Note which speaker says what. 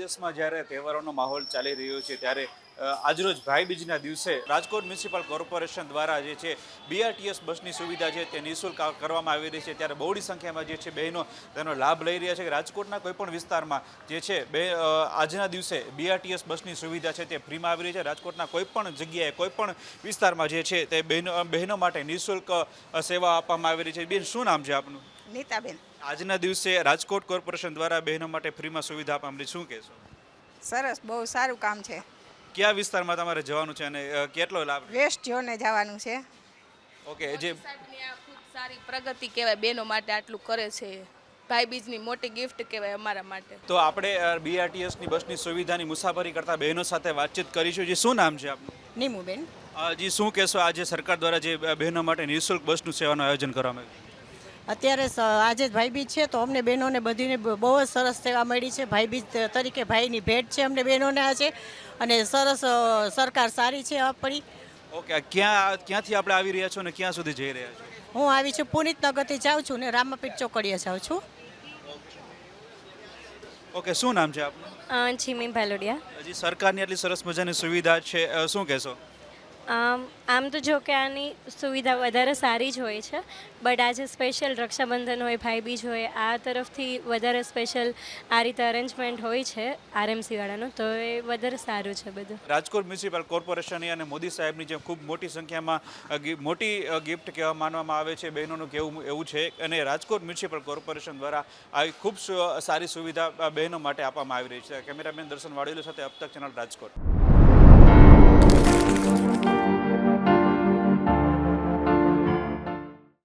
Speaker 1: વિદેશમાં જ્યારે તહેવારોનો માહોલ ચાલી રહ્યો છે ત્યારે આજરોજ ભાઈબીજના દિવસે રાજકોટ મ્યુનિસિપલ કોર્પોરેશન દ્વારા જે છે બીઆરટીએસ બસની સુવિધા છે તે નિઃશુલ્ક કરવામાં આવી રહી છે ત્યારે બહોળી સંખ્યામાં જે છે બહેનો તેનો લાભ લઈ રહ્યા છે. રાજકોટના કોઈપણ વિસ્તારમાં જે છે આજના દિવસે બીઆરટીએસ બસની સુવિધા છે તે ફ્રીમાં આવી રહી છે. રાજકોટના કોઈપણ જગ્યાએ કોઈપણ વિસ્તારમાં જે છે તે બહેનો માટે નિઃશુલ્ક સેવા આપવામાં આવી રહી છે. બેન, શું નામ છે આપનું?
Speaker 2: નીતાબેન.
Speaker 1: આજના દિવસે રાજકોટ કોર્પોરેશન દ્વારા બહેનો માટે ફ્રીમાં સુવિધા આપવામાં શું કહેશો?
Speaker 2: સરસ, બહુ સારું કામ છે.
Speaker 1: કયા વિસ્તારમાં તમારે જવાનું છે અને કેટલો લાભ?
Speaker 2: વેસ્ટ ઝોને જવાનું છે.
Speaker 1: ઓકે, જે
Speaker 3: સાહેબની આ ખૂબ સારી પ્રગતિ કહેવાય, બહેનો માટે આટલું કરે છે. ભાઈબીજની મોટી ગિફ્ટ કહેવાય અમારા માટે.
Speaker 1: તો આપણે બીઆરટીએસની બસની સુવિધાની મુસાફરી કરતા બહેનો સાથે વાતચીત કરીશું. જે શું નામ છે આપનું?
Speaker 2: નીમુબેન.
Speaker 1: જી, શું કહેશો આજે સરકાર દ્વારા જે બહેનો માટે નિઃશુલ્ક બસનું સેવાનું આયોજન કરવામાં આવ્યું?
Speaker 4: અત્યારે આજે જ ભાઈબીજ છે તો અમને બહેનોને બધીને બહુ જ સરસ સેવા મળી છે. ભાઈબીજ તરીકે ભાઈની ભેટ છે અમને બહેનોને આજે, અને સરસ સરકાર સારી છે આપણી.
Speaker 1: ઓકે, ક્યાંથી આપણે આવી રહ્યા છો અને ક્યાં સુધી જઈ રહ્યા છો?
Speaker 4: હું આવી છું પુનિત નગરથી જાઉં છું ને રામાપીઠ ચોકડીએ જાઉં છું.
Speaker 1: ઓકે, શું નામ છે આપનું?
Speaker 5: છીમી ભાલોડિયા.
Speaker 1: હજી સરકારની આટલી સરસ મજાની સુવિધા છે, શું કહેશો?
Speaker 5: આમ તો જો કે આની સુવિધા વધારે સારી જ હોય છે, બટ આજે સ્પેશિયલ રક્ષાબંધન હોય, ભાઈબીજ હોય, આ તરફથી વધારે સ્પેશિયલ આ રીતે અરેન્જમેન્ટ હોય છે આરએમસીવાળાનું, તો એ વધારે સારું છે બધું.
Speaker 1: રાજકોટ મ્યુનિસિપલ કોર્પોરેશનની અને મોદી સાહેબની જેમ ખૂબ મોટી સંખ્યામાં મોટી ગિફ્ટ કહેવા માનવામાં આવે છે બહેનોનું કહેવું એવું છે, અને રાજકોટ મ્યુનિસિપલ કોર્પોરેશન દ્વારા આવી ખૂબ સારી સુવિધા બહેનો માટે આપવામાં આવી રહી છે. કેમેરામેન દર્શન વાડેલો સાથે અબ તક ચેનલ રાજકોટ.